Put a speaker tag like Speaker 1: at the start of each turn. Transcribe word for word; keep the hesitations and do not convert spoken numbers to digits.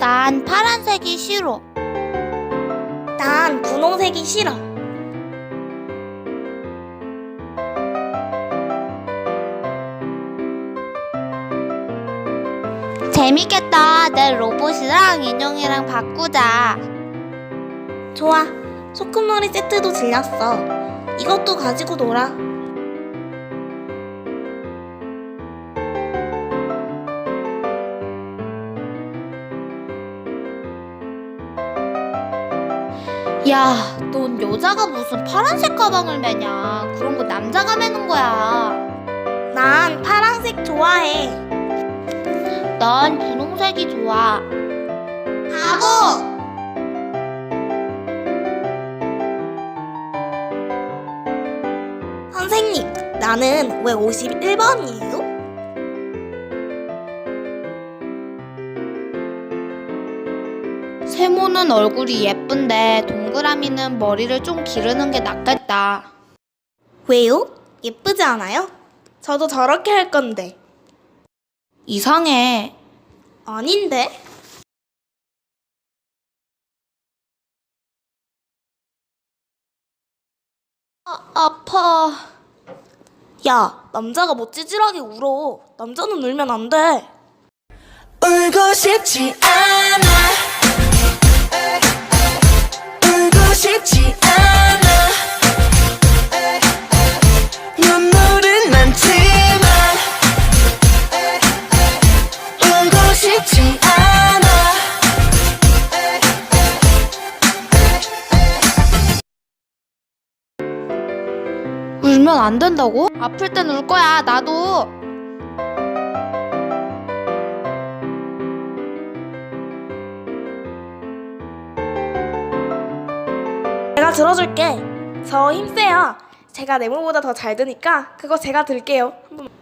Speaker 1: 난 파란색이 싫어.
Speaker 2: 난 분홍색이 싫어.
Speaker 1: 재밌겠다. 내 로봇이랑 인형이랑 바꾸자.
Speaker 2: 좋아. 소꿉놀이 세트도 질렸어. 이것도 가지고 놀아.
Speaker 1: 야, 넌 여자가 무슨 파란색 가방을 매냐? 그런 거 남자가 매는 거야.
Speaker 2: 난 파란색 좋아해.
Speaker 1: 난 분홍색이 좋아.
Speaker 2: 바보! 선생님, 나는 왜 오십일 번이에요?
Speaker 1: 세모는 얼굴이 예쁜데 동그라미는 머리를 좀 기르는 게 낫겠다.
Speaker 2: 왜요? 예쁘지 않아요? 저도 저렇게 할 건데.
Speaker 1: 이상해.
Speaker 2: 아닌데?
Speaker 1: 아, 아파.
Speaker 2: 야, 남자가 뭐 찌질하게 울어. 남자는 울면 안 돼.
Speaker 3: 울고 싶지 않아. 울고 싶지 않아. 눈물은 많지만 울고 싶지 않아.
Speaker 1: 울면 안 된다고? 아플 땐 울 거야, 나도.
Speaker 2: 제가 들어줄게. 저 힘세요. 제가 네모보다 더 잘 드니까 그거 제가 들게요. 한번.